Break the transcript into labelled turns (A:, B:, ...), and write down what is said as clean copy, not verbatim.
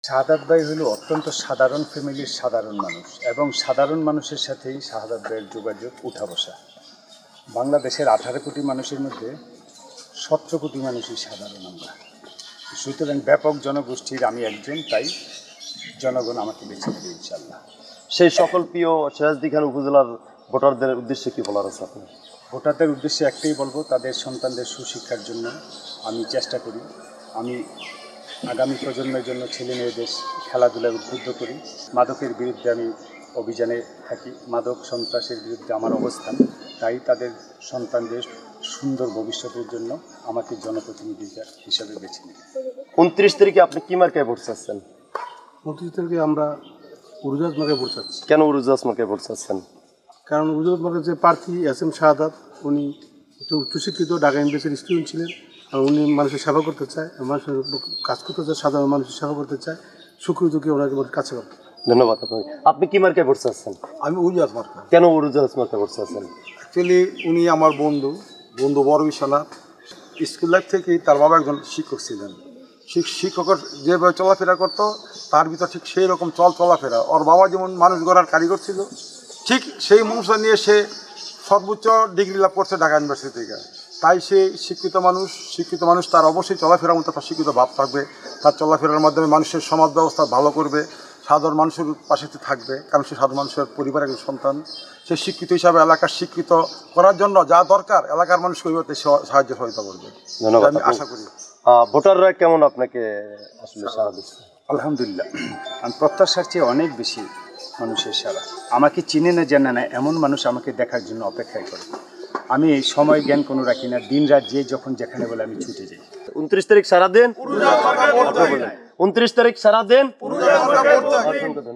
A: শাহাদাত ভাই হলো অত্যন্ত সাধারণ ফ্যামিলির সাধারণ মানুষ এবং সাধারণ মানুষের সাথেই শাহাদাত ভাইয়ের যোগাযোগ উঠা বসা। বাংলাদেশের 18 কোটি মানুষের মধ্যে 17 কোটি মানুষই সাধারণ আমরা, সুতরাং ব্যাপক জনগোষ্ঠীর আমি একজন, তাই জনগণ আমাকে বেছে নেবে ইনশাল্লাহ।
B: সেই সকল প্রিয় সিরাজদি খান উপজেলার ভোটারদের উদ্দেশ্যে কি বলার আছে আপনার?
A: ভোটারদের উদ্দেশ্যে একটাই বলবো, তাদের সন্তানদের সুশিক্ষার জন্য আমি চেষ্টা করি। আমি আগামী প্রজন্মের জন্য ছেলে মেয়েদের খেলাধুলায় উদ্বুদ্ধ করি। মাদকের বিরুদ্ধে আমি অভিযানে থাকি, মাদক সন্ত্রাসের বিরুদ্ধে আমার অবস্থান, তাই তাদের সন্তানদের সুন্দর ভবিষ্যতের জন্য আমাকে জনপ্রতিনিধি হিসাবে বেছে নিই।
B: 29 তারিখে আপনি কি মার্কায় ভোট চাচ্ছেন?
C: 29 তারিখে আমরা উরুজাজ মার্কায় ভোট চাচ্ছি।
B: কেন উরুজাস মার্কায় ভোট চাচ্ছেন?
C: কারণ উরুজাজ মার্কার যে প্রার্থী এস.এম. শাহাদাত, উনি একটু উচ্চশিক্ষিত, ঢাকা এমবিএসের স্টুডেন্ট ছিলেন। আর উনি মানুষের সেবা করতে চায়, মানুষের কাজ করতে চায়, সাধারণ মানুষের সেবা করতে চায়, সুখী ওনাকে কাছে করতে।
B: ধন্যবাদ আপনাকে। আপনি কি মার্কায় ভোট চাচ্ছেন?
D: আমি উরুজাজ মার্কা।
B: কেন উরুজাস মার্কায় ভোট চাচ্ছেন?
D: অ্যাকচুয়ালি উনি আমার বন্ধু বড় বিশ্বনাথ। স্কুল লাইফ থেকেই তার বাবা একজন শিক্ষক ছিলেন। শিক্ষকের যেভাবে চলাফেরা করতো তার ভিতর ঠিক সেই রকম চলাফেরা। ওর বাবা যেমন মানুষ গড়ার কারিগর ছিল, ঠিক সেই মানুষটা নিয়ে সে সর্বোচ্চ ডিগ্রি লাভ করছে ঢাকা ইউনিভার্সিটি থেকে। তাই সে শিক্ষিত মানুষ, তার অবশ্যই চলাফেরার মতো একটা শিক্ষিত ভাব থাকবে। তার চলাফেরার মাধ্যমে মানুষের সমাজ ব্যবস্থা ভালো করবে, সাধারণ মানুষের পাশে থাকবে, কারণ সে সাধারণ মানুষের পরিবারের একজন সন্তান। সে শিক্ষিত হিসাবে এলাকার শিক্ষিত করার জন্য যা দরকার এলাকার মানুষকে ওইভাবে সাহায্য সহায়তা করবে,
B: ধন্যবাদ।
D: আমি আশা করি।
B: ভোটাররা কেমন আপনাকে আসলে সাড়া দিচ্ছে?
A: আলহামদুলিল্লাহ, আমি প্রত্যাশার চেয়ে অনেক বেশি মানুষের সারা। আমাকে চিনে না জানে না এমন মানুষ আমাকে দেখার জন্য অপেক্ষায় করে। আমি সময় জ্ঞান কোনো রাখি না, দিন রাত যে যখন যেখানে বলে আমি ছুটে যাই।
B: 29 তারিখ সারা দেন। 29 তারিখ সারা দেন।